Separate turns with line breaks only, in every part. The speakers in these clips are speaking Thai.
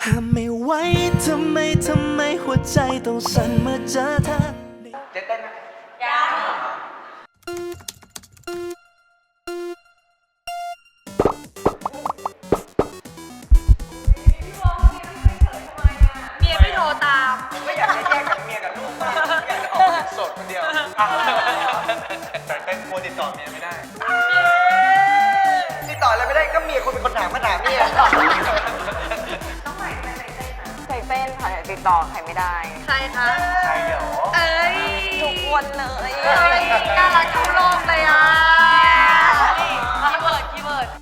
ห้ามไม่ไหวทำไมหัวใจต้องสั่นเมื่อเจอเธอ
เจ๊เต้นไหม
เมียไม่โทรตาม
ไม่อยากจะแยกกับเมียกับลูกมากอยากจะออกเป็นโสดคนเดียวแต่เต้นกลัวติดต่อเมียไม่ได้ติดต่ออะไรไม่ได้ก็เมียคุณเป็นคนถามมาถามเมีย
ใครเต้นค่ะติดต่อใครไม่ได้
ใครคะ
ใครเหรอ
เอ้ย
ทุกคนเลย
น่ารักทั้งโลกเลยอ่ะคีย์เวิร์ด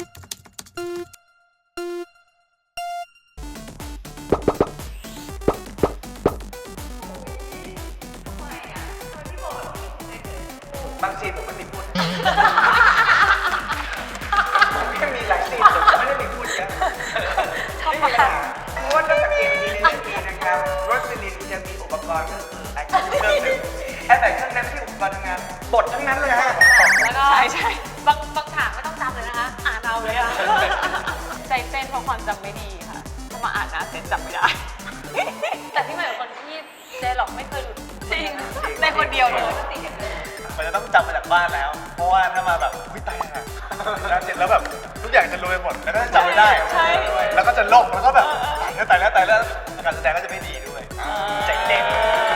บางซีนผมไม่มีพูดไม่มีหลายซีนแต่ผมไม่ได้มีพูดเยอะ
ชอบมาก
เพราะว่าถ้าสังเกตดีๆในเรื่องนี้นะครับโรสลินจะมีอุปกรณ์ก็คือไอ้เครื่องหนึ่งไอ้แต่เครื่องนั้นที่อุปกรณ์ทำงานบททั้งนั้นเลยฮะ
แล้วก็ใช่บางฉากไม่ต้องจำเลยนะคะ อ่านเอาเลยอ่ะ
ใจเต้นเพราะความจำไม่ดีค่ะถ้ามาอ่านนะเต้นจำไม่ได้
แต่พี่ใหม่เป็นคนที่เจหรอกไม่เคยหลุดจริงในคนเดียวเลยก็ติดอย่างนี้
มันจะต้องจำมาจากบ้านแล้ว เพราะว่าถ้ามาแบบอุ้ยตายห่าแล้วเสร็จแล้วแบบทุกอย่างจะรู้ไปหมด แล้วก็จะจำไม่ได้ แล้วก็จะโลกแล้วก็แบบตายแล้วการแสดงก็จะไม่ดีด้วยใจเด็ก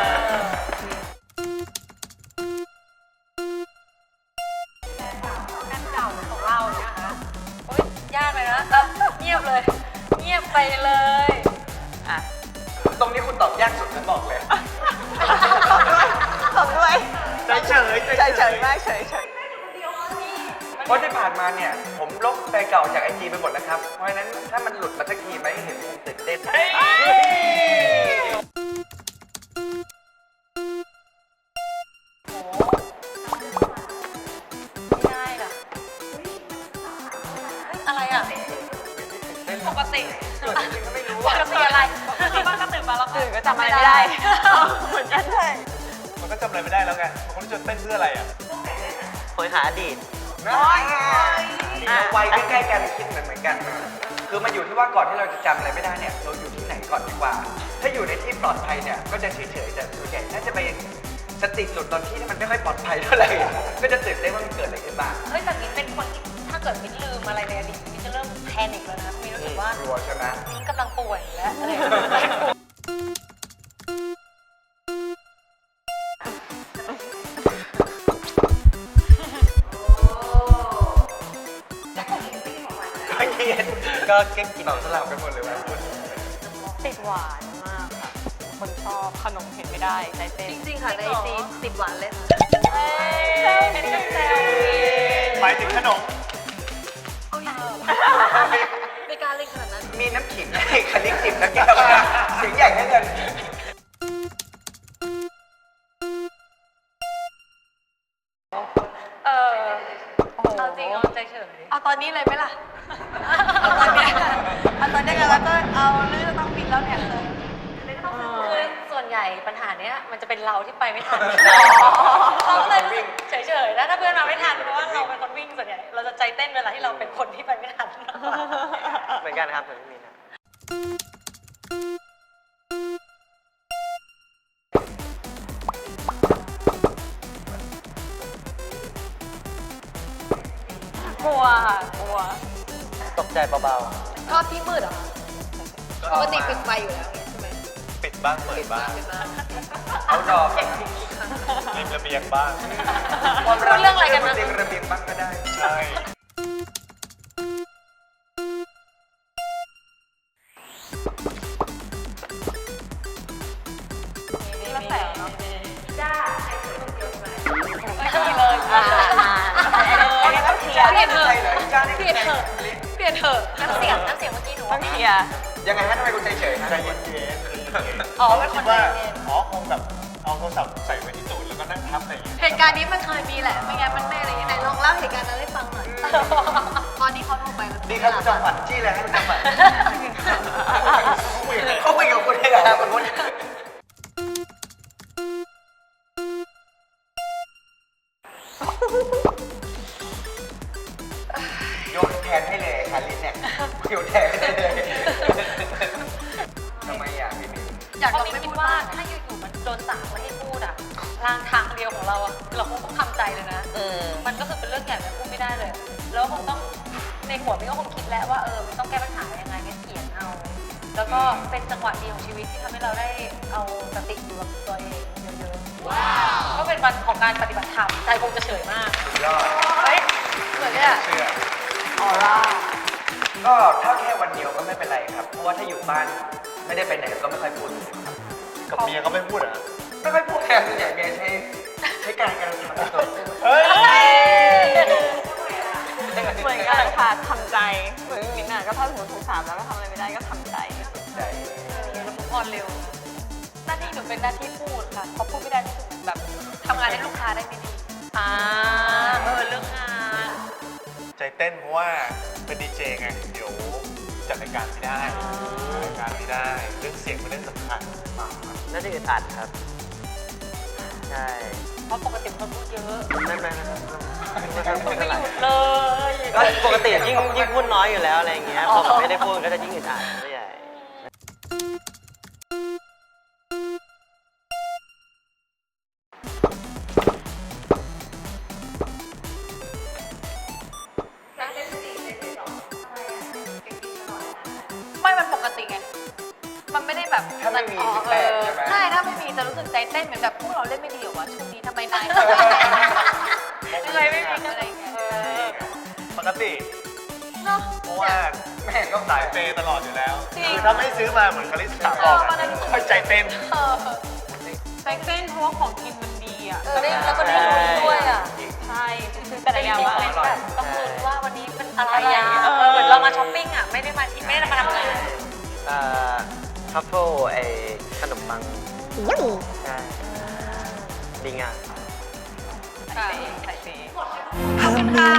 กันเก่าของเราเนี่ยนะคะโอ๊ยยากเลยนะเงียบเลย เงียบไปเลยอ่ะ
ตรงนี้คุณตอบยากสุดฉันบอกเลย
ตบด้วย
ใจเฉย
ใจเฉยมากเฉย
เพราะที่ผ่านมาเนี่ยผมลบแฟนเก่าจากไอจีไปหมดแล้วครับ เพราะฉะนั้นถ้ามันหลุดมาสักทีไหมเห็นคงตื่นเต้น
ไม่ได้ล่ะอะไรอ่ะปกติ
เกิดจริงๆก็ไม่รู้
ปกติอะไรที่บ้านก็ตื่นมาแล้ว
ตื่นก็จำอะไรไม่ได้เหมือนกันเลย
มันก็จำอะไรไม่ได้แล้วไงบางคนจะเต้นเพื่ออะไรอ่ะ
โหยหาอดีตนะวัยใกล้ๆกันคิดเหมือนกัน คือมันอยู่ที่ว่าก่อนที่เราจะจำอะไรไม่ได้เนี่ยเราอยู่ที่ไหนก่อนดีกว่า ถ้าอยู่ในที่ปลอดภัยเนี่ยก็จะเฉยๆแต่ส่วนใหญ่น่าจะไปสติหลุดตอนที่มันไม่ค่อยปลอดภัยเท่าไหร่ก็จะตื่นเต้นว่ามันเกิดอะไรขึ้นบ้าง
เฮ้ยแต่มิ้นเป็นคนที่ถ้าเกิดมิ้นลืมอะไรในอดีตมิ้นจะเริ่มแพนิคแล้วนะมิ้นรู้สึกว่าก
ลัวใช่ไหม
มิ้นกำลังป่วยแล้วอะไรอย่างเงี้ย
ก็เครียดก็เก่งกินสลับกันหมดเลยว่ะคุณ
ติดหวานมากค่ะ คนชอบขนมเห็นไม่ได้ใจเต้น
จริงๆค่ะในซีติดหวานเลยค่ะ
เป็นก็แซว
หมายถึงขนม
ไม่กล้าเล่นขนาดนั้น
มีน้ำขิงให้คณิกจิบนะแก้วเสียงใหญ่แค่เงิน
เอาจริงเอาใจเฉย
เอาตอนนี้เลยไหมล่ะ เอาตอนเนี้ยกันแล้วก็เอาเรื่องต้องบินแล้วเนี่ย
คือส่วนใหญ่ปัญหาเนี้ยมันจะเป็นเราที่ไปไม่ทัน
เรา
เรา
เป็
เล
น
ย
คนวิ่ง
เฉยๆแล้วถ้าเพื่อนมาไม่ทันเพราะว่าเราเป็นคนวิ่งส่วนใหญ่เราจะใจเต้นเวลาที่เราเป็นคนที่ไปไม่ทัน
เหมือนกันครับเหมือนพี่มีนะ
กลัวค่ะกลัว
ตกใจเบา
ชอบที่มืดเหรอปกติปิดไฟอยู่แล้วใช่ไหม
ปิดบ้างเปิดบ้าง
ๆเอาดอก
ริมระเบียงบ้าง
พูดเรื่องอะไรกันนะ
เตียงระเบียงบ้างก็ได้
ใช่
แล้วแต่เนาะ
ดีเลย
อันนี้ต้องเคลียร์
เปลี่ยนเถอะ
ใจเลยจ้านี่
เปลี่ยนเถอะเปลี่ยนเถอะน้ำเสียงเมื่อกี้หนู
ต้องเคลียร์
ยังไงฮะทำไมคุณใจเฉยฮะ
ใจเย็นๆ
อ๋อเป็นค
คิ
น
ด
ใจ
ว่า
เย็น
อ๋อคงแบบเอาโทรศัพท์ใส่ไว้ที่ตูดแล้วก็นั่งทับอะไรอย่างเงี้ย
เหตุการณ์นี้มันเคยมีแหละไม่งั้นมันไม่อะไรอย่างเงี้ยไหนลองเล่าเหตุการณ์นั้นให้ฟังหน่อยตอนนี้เขาโทรไปแล้ว
ดีครับคุณจอมขวัญจี้เลยครับคุณจอมขวัญเขาคุยกับคุณได้แล้วคุณวุฒิโยนแทนให้เลยคาริสเนี่ยโยนแทนให้เลย
ดนสาปไม่ให้พูดอ่ะทางเดียวของเราอ่ะเราคงต้องทำใจเลยนะ มันก็คือเป็นเรื่องใหญ่แบบพูดไม่ได้เลย แล้วคงต้องในหัวมันก็คงคิดแล้วว่ามันต้องแก้ปัญหายังไงงั้นเขียนเอา แล้วก็เป็นจังหวะเดียวของชีวิตที่ทำให้เราได้เอาสติอยู่กับตัวเองเยอะๆก็เป็นวันของการปฏิบัติธรรมใจคงจะเฉยมาก
ยอด
เฮ้ยเหมือนเนี่ย
เชื่อ
ออร่า
ก็ถ้าแค่วันเดียวก็ไม่เป็นไรครับ เพราะว่าถ้าอยู่บ้านไม่ได้ไปไหนก็ไม่ค่อยพูดครับ
กับเมียก็ไม่พูดเหรอ
ไม่ค่อยพูดแทนส่วนใหญ่เมียใช้การทำตัว
เฮ้ย
เหมือนกันค่ะทำใจเหมือนมิ้นท์อะก็ถ้าสมมติถูกสาปแล้วก็ทำอะไรไม่ได้ก็ทำใจ
ใจ
แล้วมุกออนเร็ว หน้าที่หนูเป็นหน้าที่พูดค่ะเพราะพูดไม่ได้ก็คือแบบทำงานให้ลูกค้าได้ไม่ดีเรื่องงาน
ใจเต้นเพราะว่าเป็นดีเจไง เดี๋ยวจัดรายการไม่ได้รายการไม่ได้ เรื่องเสียงเป็นเรื่องสำคัญ
น่าจะอึดอัดครับ ใช่
เพราะปกติคนพูดเยอะ
ไม่ค่อยพูด
ไม่
เท่าไหร่
หยุดเลย
ก็ปกติยิ่งพูดน้อยอยู่แล้วอะไรอย่างเงี้ย พอแบบไม่ได้พูดก็จะยิ่งอึดอัดไม่ใหญ่
ไม่มันปกติไง มันไม่ได้แบบ
ถ้าไม่มี18ใช่ไหม
ใช่ ถ้าไม่มีจะรู้สึกใจเต้นเหมือนแบบพวกเราเล่นไม่ดีเหรอวะช่วงนี้ทำไมนายทำไมไม่มีอะไรเงี้ย
ปกติ
เนาะ
เพราะว่า
แม่ก็
สายเปย์ตลอดอยู่แล้ว
จริง
คือถ้าไม่ซื้อมาเหมือนคาริสาบอกอะค่อยใจเต้น
ใจเต้นเพราะว่าของกินมันดีอ่ะ
แล้วก็ได้ลุ้นด้วยอ่ะ
ใช่ซื้อแต่ละอย่าง
จริง
ว่า
ๆเป็นแบบต้องลุ้นว่าวันนี้เป็นอะไร
อะไร
อ่ะ
อ่ะ
เหมือนเรามาช้อปปิ้งอ่ะ ไม่ได้มาทำงาน
ทัฟเฟิลไอขนมปังใช่ดีงาม
ใส่เต้
หากมี